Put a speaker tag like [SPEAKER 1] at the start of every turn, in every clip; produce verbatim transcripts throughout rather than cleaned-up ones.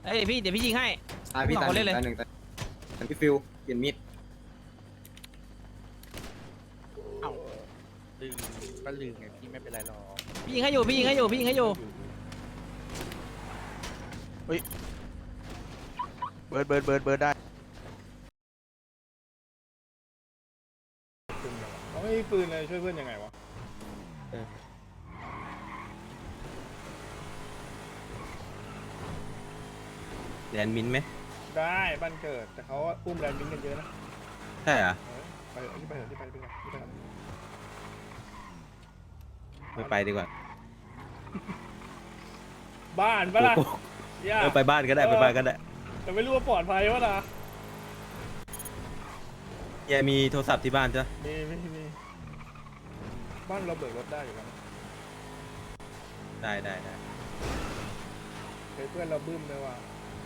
[SPEAKER 1] เอ้ยพี่เดี๋ยวพี่ยิงให้
[SPEAKER 2] ตายพี่
[SPEAKER 1] สอง
[SPEAKER 2] ตาย
[SPEAKER 1] คน
[SPEAKER 2] ห
[SPEAKER 1] เล่
[SPEAKER 2] นึ่
[SPEAKER 1] น
[SPEAKER 2] ง
[SPEAKER 1] เลย
[SPEAKER 2] ตายหนึ่งตายแต่พี่ฟิวเปลี่ยนมีด
[SPEAKER 3] เอ้าลืมก็ลืมไงพี่ไม่เป็นไรหรอก
[SPEAKER 1] พี่ยิงให้อยู่พี่ยิงให้อยู่พี่ยิงให้อยู่
[SPEAKER 3] เบิร์ดเบิร์ดเบิร์ดเบิร์ดได้
[SPEAKER 4] เขาไม่มีปืนเลยช่วยเพื่อนยังไงวะ
[SPEAKER 2] แลนมินไหม
[SPEAKER 4] ได้บ้านเกิดแต่เขาอุ้มแรนดิ้งกันเยอะนะ
[SPEAKER 2] ใช่เหรอ
[SPEAKER 4] เออไปเถอะที่ไปเถอะที่ไปที่ไปที่ไป
[SPEAKER 2] ไม่ไปดีกว่า
[SPEAKER 4] บ้านปะล่ะย่า
[SPEAKER 2] เออไปบ้านก็ได้ไปบ้านก็ได้
[SPEAKER 4] แต่ไม่รู้ว่าปลอดภัยวะนะ
[SPEAKER 2] แกมีโทรศัพท์ที่บ้านจ้ะ
[SPEAKER 4] มีมีมีบ้านเราเบิกรถได้อยู่แล้ว
[SPEAKER 2] ได้ได้ได้
[SPEAKER 4] เคยเพื่อนเราบึ้มเลยว่ะ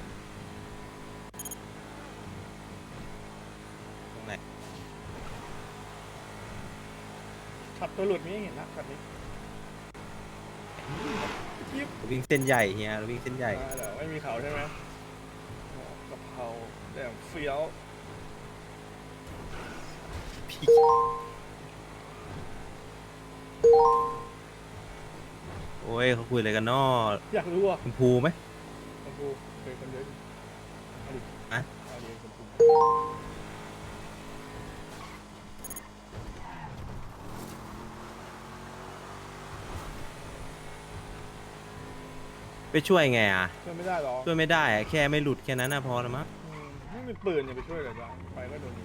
[SPEAKER 2] ตรงไหน
[SPEAKER 4] ขับตัวหลุดนี่เห็นนะขับนี้ยิบ
[SPEAKER 2] วิ่งเส้นใหญ่เฮียวิ่งเส้นใหญ่
[SPEAKER 4] ได้เหรอไม่มีเขาใช่ไหมโอ้กะเพราแดงเฟี้ยว
[SPEAKER 2] พี่โอ้ยเขาคุยอะไรกันนอ
[SPEAKER 4] อยากรู้อ่ะ
[SPEAKER 2] คุณภูไหม
[SPEAKER 4] คุณครูเคยคนเยอะดิเอาดิ
[SPEAKER 2] อะ
[SPEAKER 4] เอาดิคุณครู
[SPEAKER 2] ไปช่วยไงอ่ะ
[SPEAKER 4] ช่วยไม่ได้หรอ
[SPEAKER 2] ช่วยไม่ได้อะแค่ไม่หลุดแค่นั้นนะพอแล้วมั้ง
[SPEAKER 4] อืมไม่มีปืนอย่าไปช่วยเลยจ้ะไปก็โดนยิง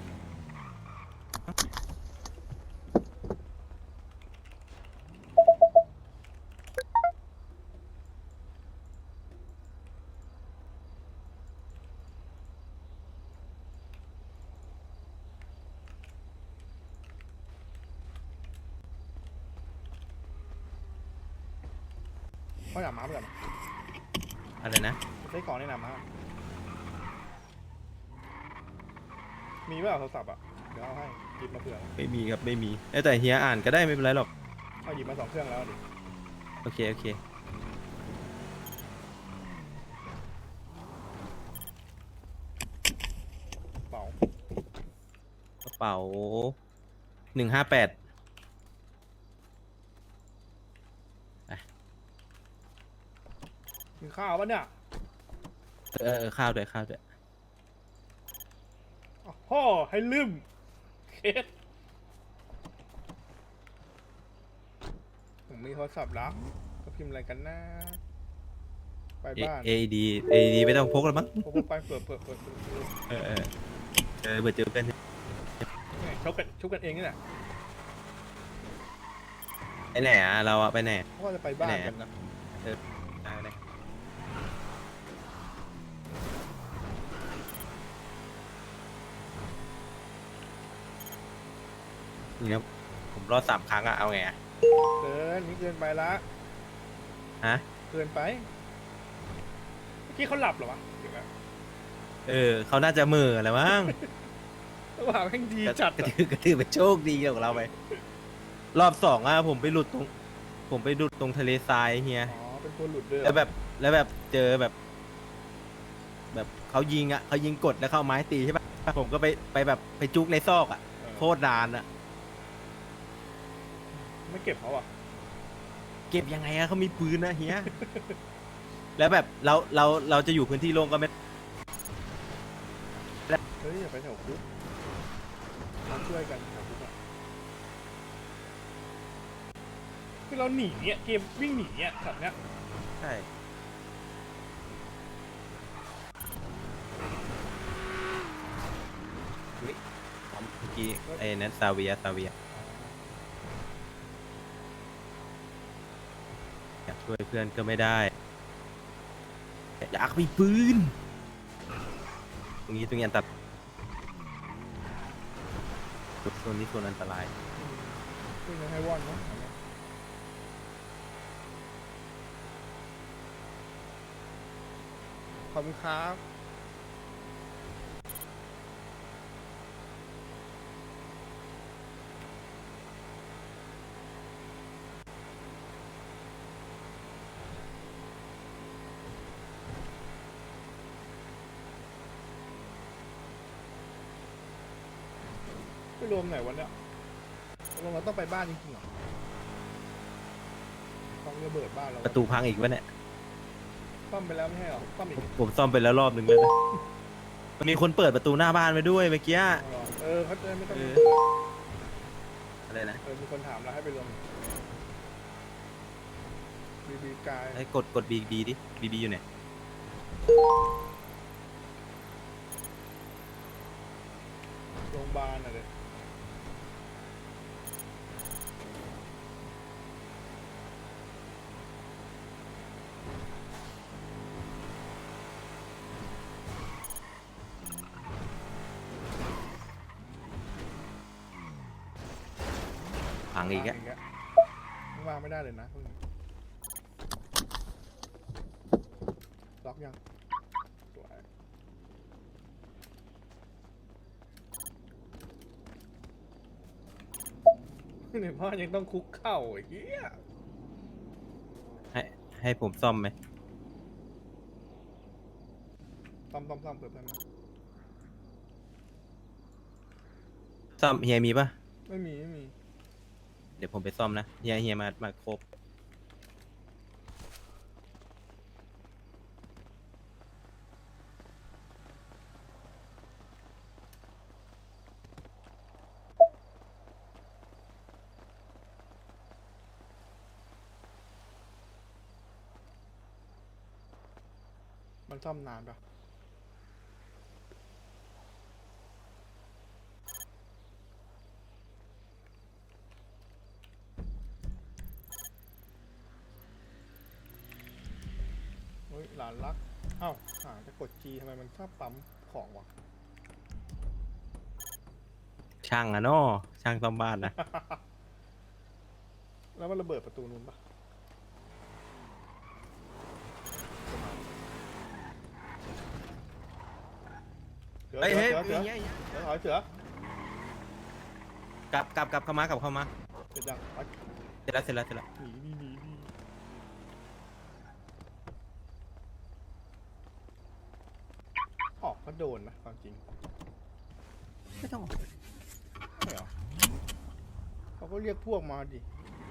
[SPEAKER 4] เขาอยากมาเพื่อน
[SPEAKER 2] อะไรนะ
[SPEAKER 4] ใช้ของในหนามมามีเปล่าโทรศัพท์อ่ะเดี๋ยวเอาให้หยิบมาเผื่อ
[SPEAKER 2] ไม่มีครับไม่มีเอ้ยแต่เฮียอ่านก็ได้ไม่เป็นไรหรอก
[SPEAKER 4] เอาหยิบมาสองเครื่องแล้วดิ
[SPEAKER 2] โอเคโอเค
[SPEAKER 4] เป๋าก
[SPEAKER 2] ระเป๋าหนึ่งห้าแปด
[SPEAKER 4] กินข้าวปะเนี่ย
[SPEAKER 2] เออเออข้าวด้วยข้าวด้วย
[SPEAKER 4] อ้าวพ่อให้ลืมเคสผมมีโทรศัพท์แล้วก็พิมพ์อะไรกันนะไป
[SPEAKER 2] เอ
[SPEAKER 4] บ้าน
[SPEAKER 2] เอดีเอดีไม่ต้องพกแล้วมั้ง
[SPEAKER 4] ผมไปเปิดเปิดเปิดเปิดเปิด
[SPEAKER 2] เออเออเจอเบื่อเจอเพื่อน
[SPEAKER 4] เนี่ยชกกันชกกันเองนี่แหละ
[SPEAKER 2] ไปไหนอ่ะเราอะไปไหน
[SPEAKER 4] เพราะว่าจะไปบ้านกันนะ
[SPEAKER 2] ได้เลยนี่ครับผมรอดสามครั้งอะเอาไงอะ
[SPEAKER 4] เกินนี่เกินไปละ
[SPEAKER 2] ฮะ
[SPEAKER 4] เกินไปเมื่อกี้เขาหลับเหรอวะเดี๋ยวนะ
[SPEAKER 2] เออเขาน่าจะมืออะไรมั้ง
[SPEAKER 4] ระหว่างแม่งดีจัด
[SPEAKER 2] กระ
[SPEAKER 4] อะ
[SPEAKER 2] ถือกระถือเป็นโชคดีของเราไปรอบสองอะผมไปหลุดตรง ผมไปหลุดตรงทะเลทรายเฮีย
[SPEAKER 4] อ๋อเป็นตัวหลุดด้วยเหร
[SPEAKER 2] แล้
[SPEAKER 4] อ
[SPEAKER 2] วแบบแล้วแบบเจอแบบ แบบเขายิงอ่ะเขายิงกดแล้วเข้าไม้ตีใช่ปะผมก็ไปไปแบบไปจุกในซอกอ่ะ
[SPEAKER 4] เออ
[SPEAKER 2] โคตรนานอ่ะ
[SPEAKER 4] ไม่เก็บเขาอ่ะ
[SPEAKER 2] เก็บยังไงอะเขามีปืนนะเฮีย แล้วแบบเราเราเราจะอยู่พื้นที่โล่งก็ไม่
[SPEAKER 4] เฮ้ยอย่าไปแถวคุกมาช่วยกันแถวคุกอะคือเราหนีเนี่ยเกมวิ่งหนีเนี่ยสัตว์เนี้ย
[SPEAKER 2] ใช่อุ๊ยเมื่อกี้ไอ้นั้นซาเวียซาเวียอยากช่วยเพื่อนก็ไม่ได้อยากมีปืนตรงนี้ตรงนี้อันตรายโซนนี้โซนอันตราย
[SPEAKER 4] ช่วยกันให้ว่อนเนาะขอบคุณครับรวมไหนวันเนี้ยรวมเราต้องไปบ้านจริงๆเหรอต้องระเบิดบ้านเรา
[SPEAKER 2] ประตูพังอีกวะเนี่ย
[SPEAKER 4] ซ่อมไปแล้วไม่ใช่เหรอซ่อมอีก
[SPEAKER 2] ผมผมซ่อมไปแล้วรอบหนึ่งแล้วนะมันมีคนเปิดประตูหน้าบ้านไว้ด้วยเมื่อกี้
[SPEAKER 4] เอาเหรอเออเขาจะไม่ต้อง
[SPEAKER 2] เอออะไรนะ
[SPEAKER 4] เออมีคนถามเราให้ไปรวมบีบีกาย
[SPEAKER 2] ให้กดกดบีบีดิบีบีอยู่ไหน
[SPEAKER 4] โรงพยาบาลอะไร
[SPEAKER 2] พังอีกอะ
[SPEAKER 4] ย่างเงี้ยไม่วางไม่ได้เลยนะพวกนี้ล็อกยังสวยในบ้านยังต้องคุกเข่าไอ้เหี้ย
[SPEAKER 2] ให้ให้ผมซ่อมไหม
[SPEAKER 4] ซ่อมซ่อมซ่อมเปิดเพื่อนมา
[SPEAKER 2] ซ่อมเฮียมีปะ
[SPEAKER 4] ไม่มีไม่มี
[SPEAKER 2] เดี๋ยวผมไปซ่อมนะเฮียเฮียมามาครบ
[SPEAKER 4] มันซ่อมนานปะเฮ้ยหลานรักเอ้าหาจะกด G ทำไมมันชอบปั๊มของวะ
[SPEAKER 2] ช่างอะเนาะช่างซ่อมบ้านนะ
[SPEAKER 4] แล้วมันระเบิดประตูนู้นปะเสือ
[SPEAKER 2] เฮ้ย
[SPEAKER 4] เสื
[SPEAKER 2] เฮ้ย
[SPEAKER 4] อเสือ
[SPEAKER 2] เฮียเฮีย
[SPEAKER 4] เสือถอยเสือก
[SPEAKER 2] ลับกลับกลับเข้ามากลับเข้ามา
[SPEAKER 4] เสร็จยังไป
[SPEAKER 2] เสร็จแล้วเสร็จแล้วเสร็จแล้ว
[SPEAKER 4] หนีหนีหนีหนีออกก็โดนนะความจริง
[SPEAKER 2] ไม่ต้อง
[SPEAKER 4] ไม่เหรอเขาก็เรียกพวกมาดิ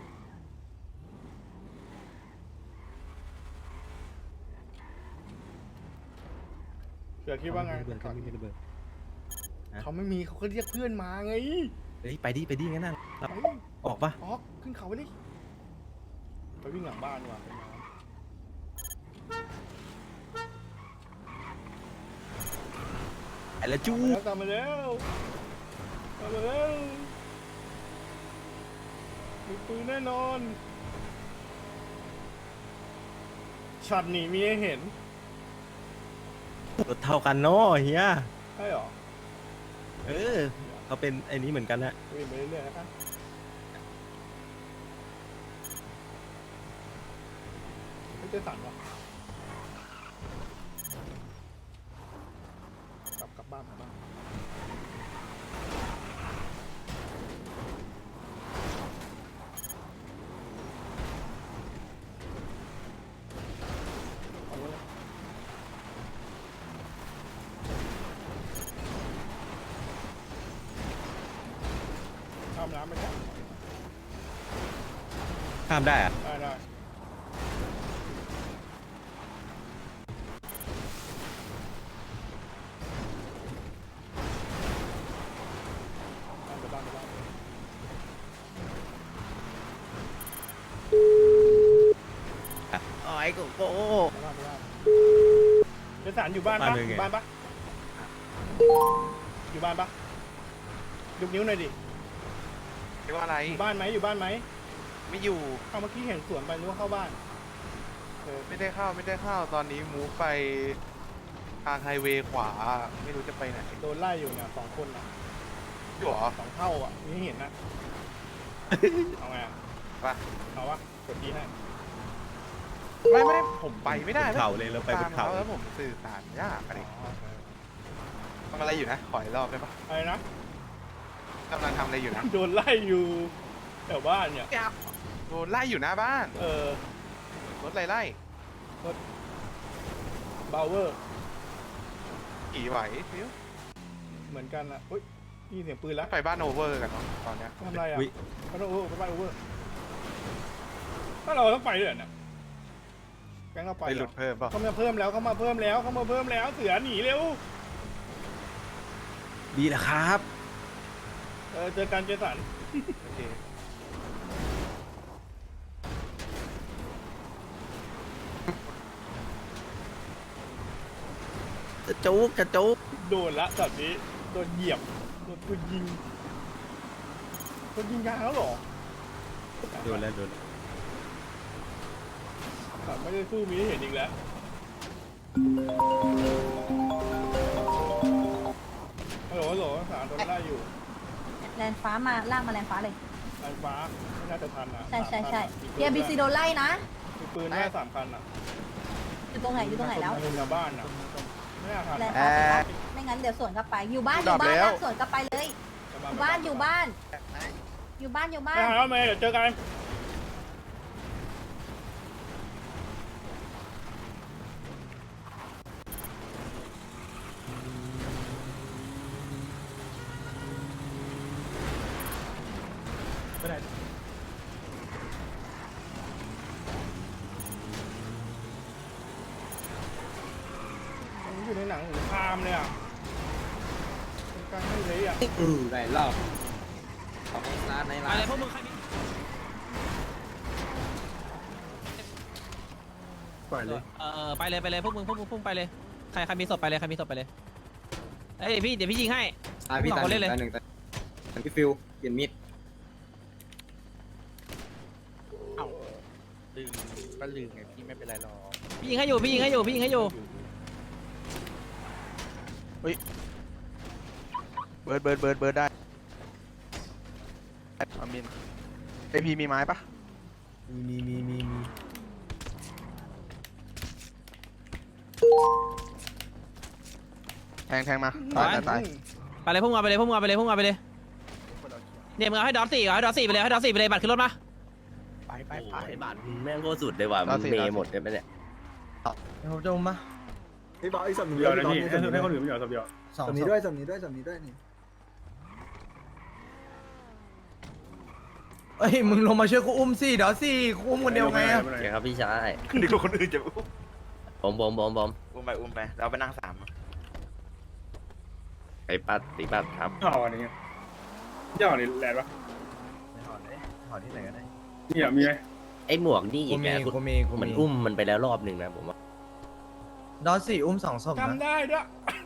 [SPEAKER 4] เสือคิดว่าไง
[SPEAKER 2] ระเบิดไม่มีระเบิด
[SPEAKER 4] เขาไม่มีเขาก็เรียกเพื่อนมาไง
[SPEAKER 2] เฮ้ยไปดิไปดิงั้นน่ะ
[SPEAKER 4] ไป
[SPEAKER 2] ออกปะ
[SPEAKER 4] ออกขึ้นเขาไปดิไปวิ่งหลังบ้านดีกว่าไปน้
[SPEAKER 2] ไอ้ละจู้
[SPEAKER 4] ำตามมาแล้วตามมาแล้วมีปืนแน่นอนช็อตหนีมีให้เห็น
[SPEAKER 2] รถเท่ากันเนาะเฮีย
[SPEAKER 4] ใช่หรอ
[SPEAKER 2] เออเขาเป็นไอ้นี้เหมือนกันนะ
[SPEAKER 4] วิ่งไปเรื่อยๆนะครับไม่เจสันวะกลับกลับบ้านกลับบ้านเอาเลยข้ามน้ำไปได้
[SPEAKER 2] ข้ามได้อะ
[SPEAKER 4] ได้ได้บ้านไปบ้านไปบ้าน
[SPEAKER 2] อ๋อไอ้โกโก้
[SPEAKER 4] ไปบ้านไปบ้านเจสันอยู่บ้านปะอยู่บ้านปะอยู่บ้านปะยกนิ้วหน่อยดิ
[SPEAKER 3] เรียกว่าอะไร
[SPEAKER 4] อยู่บ้านไหมอยู่บ้านไหม
[SPEAKER 3] ไม่อยู่
[SPEAKER 4] เอาเมื่อกี้เห็นสวนไปนึกว่าเข้าบ้านเออ
[SPEAKER 3] ไม่ได้เข้าไม่ได้เข้าตอนนี้มูฟไปทางไฮเวย์ขวาไม่รู้จะไปไหน
[SPEAKER 4] โดนไล่อยู่เนี่ยสองคนนะ
[SPEAKER 3] อยู่เหรอ
[SPEAKER 4] สองเท่าอ่ะนี่เห็นนะ เอาไงอะ
[SPEAKER 3] ไป
[SPEAKER 4] เอาวะกดทีให้
[SPEAKER 3] ไม่ไม่ได้ผมไปไม่ได้
[SPEAKER 2] บนเขาเลยเราไปบ
[SPEAKER 3] ตาม
[SPEAKER 2] นเขา
[SPEAKER 3] เขาแล้วผมสื่อสารยากอะไร
[SPEAKER 4] อ๋อโอเค
[SPEAKER 3] ทำอะไรอยู่นะ ขออีกรอบได้ปะ
[SPEAKER 4] อะไรนะ
[SPEAKER 3] กำลังทำอะไรอยู่นะ
[SPEAKER 4] โดนไล่อยู่แถวบ้านเนี่ย
[SPEAKER 3] โดนไล่อยู่หน้าบ้าน
[SPEAKER 4] เออ
[SPEAKER 3] รถไล่ไล่
[SPEAKER 4] บาวเวอร์
[SPEAKER 3] ขี่ไหวฟิว
[SPEAKER 4] เหมือนกันนะอุ้ยนี่เสียงปืนแล้ว
[SPEAKER 3] ไปบ้านโอเวอร์กันเนาะตอนเนี้ย
[SPEAKER 4] ทำอะไรอ่ะ
[SPEAKER 2] อุ๊ย
[SPEAKER 4] บ้านโอเวอร์บ้านโอเวอร์ถ้าเราต้องไปเลยเนี่ยแก๊งเราไป
[SPEAKER 3] ไปหลุดเพิ่มเปล่ะ
[SPEAKER 4] เขามาเพิ่มแล้วเขามาเพิ่มแล้วเขามาเพิ่มแล้วเสือหนีเร็ว
[SPEAKER 2] ดีแหละครับ
[SPEAKER 4] เออเจอกันเจสัน
[SPEAKER 3] โอเค
[SPEAKER 2] จะจุกจะจุก
[SPEAKER 4] โดนละแบบนี้โดนเหยียบโดนปืนยิงโดนยิงยางแล้วเหรอ
[SPEAKER 2] โดนแล้วโดนแล้ว
[SPEAKER 4] แบบไม่ได้สู้มีให้เห็นอีกแล้วฮัลโหลฮัลโหลสารโดนไล่อยู่
[SPEAKER 5] แลนฟ้ามาลากมาแลนฟ้าเลย
[SPEAKER 4] ไฟฟ้าไม่น่าจะทันอ่ะ
[SPEAKER 5] ใช่ใช่ใช่
[SPEAKER 4] สามคันอะ
[SPEAKER 5] เบียร์บีซีโดนไล่นะ
[SPEAKER 4] มีปืนแค่สามคันอ่ะ
[SPEAKER 5] อยู่ตรงไหนอยู่ตรงไหนแล้ว
[SPEAKER 4] ในบ้านอ่ะไม่น่าทัน
[SPEAKER 5] แลน
[SPEAKER 4] อะ
[SPEAKER 5] ฟ้าไม่งั้นเดี๋ยวสวนกลับไป อยู่บ้านอยู่บ้านลากสวนกลับไปเลย อยู่บ้านอยู่บ้าน อยู่บ้านอยู่บ้า
[SPEAKER 4] ไม่
[SPEAKER 5] น
[SPEAKER 4] ทันแล้วเมย์เดี๋ยวเจอกัน
[SPEAKER 2] ไม่ได้
[SPEAKER 4] มันอยู่ในหนังสงครามเลยอ่ะเป็นการให้เลยอ่ะ
[SPEAKER 6] อืมหลายรอบของร้านใน
[SPEAKER 1] ไป
[SPEAKER 6] ร้าน
[SPEAKER 1] เลยพวกมึงใครมี
[SPEAKER 2] ปล่อยเลย
[SPEAKER 1] เออไปเลยไปเลยพวกมึงพวกมึงพวกมึงไปเลยใครใครมีศพไปเลยใครมีศพไปเลยเอ้ยพี่เดี๋ยวพี่ยิงให้
[SPEAKER 6] ตายพี่
[SPEAKER 1] สอง
[SPEAKER 6] ตาย
[SPEAKER 1] คน
[SPEAKER 6] ห
[SPEAKER 1] เล่
[SPEAKER 6] นึ่
[SPEAKER 1] น
[SPEAKER 6] ง
[SPEAKER 1] เลย
[SPEAKER 6] ตายหนึ่งตายหนึ่งพี่ฟิวเปลี่ยนมีด
[SPEAKER 7] ลืมก็ลืมไงพี่ไม่เป็นไรหรอก
[SPEAKER 1] พี่ยิงให้อยู่พี่ยิงให้อยู่พี่ยิงให้อยู่
[SPEAKER 3] เบิร์ดเบิร์ดเบิร์ดเบิร์ดได้อามินไอพีมีไม้ปะ
[SPEAKER 2] มีมีมีมี
[SPEAKER 3] แทงแทงมาตายตายตาย
[SPEAKER 1] ไปเลยพวกมึงเอาไปเลยพวกมึงเอาไปเลยพวกมึงเอาไปเลยเนี่ยมึงเอาให้ดอทสี่เอาให้ดอทสี่ไปเลยให้ดอทสี่ไปเลยบัตรขึ้นรถมา
[SPEAKER 3] ไปไปไป
[SPEAKER 8] ไอ้บาทแม่งโคตรสุดเลยว่ะมันเมย์หมดเลยไหมเนี่ย
[SPEAKER 2] ผมจะมา
[SPEAKER 9] พี่บอกอีกสำนึก
[SPEAKER 4] เดี๋ยวนะ
[SPEAKER 9] พี่
[SPEAKER 4] พี่
[SPEAKER 9] บอก
[SPEAKER 4] ให้
[SPEAKER 9] อีก
[SPEAKER 4] คน
[SPEAKER 9] สำนึก
[SPEAKER 4] อื่นไม่เหรอสับเดียว
[SPEAKER 2] สอง
[SPEAKER 9] สำนึกด้วยสำนึกด้วยสำนึกด้วยนี่
[SPEAKER 2] เอ้ยมึงลงมาช่วยกูอุ้มสิเดี๋ยวสิกูอุ้มคนเดียวไงอะ
[SPEAKER 8] โอเคครับพี่ชาย
[SPEAKER 3] ดีกว่าคนอื่นจะ
[SPEAKER 8] บอมบอมบอมบอม
[SPEAKER 7] อุ้มไปอุ้มไปเราไปนั่งสาม
[SPEAKER 8] ไอ้ปัดตีปัดครับ
[SPEAKER 4] ห่ออันนี้ย่อนี่แหลนปะ
[SPEAKER 2] ถอดเลยถอดที่ไหนก็ได้
[SPEAKER 4] นี่อ่ะมีไหม
[SPEAKER 8] ไอ้หมวกนี่
[SPEAKER 2] กู
[SPEAKER 8] อีก
[SPEAKER 2] มี
[SPEAKER 8] แล้ว
[SPEAKER 2] กูมีกู
[SPEAKER 8] มัน
[SPEAKER 2] มี
[SPEAKER 8] อุ้มมันไปแล้วรอบหนึ่งนะผมว่า
[SPEAKER 2] ดอสสี่อุ้มสองศพนะ
[SPEAKER 4] จำได้ด้วย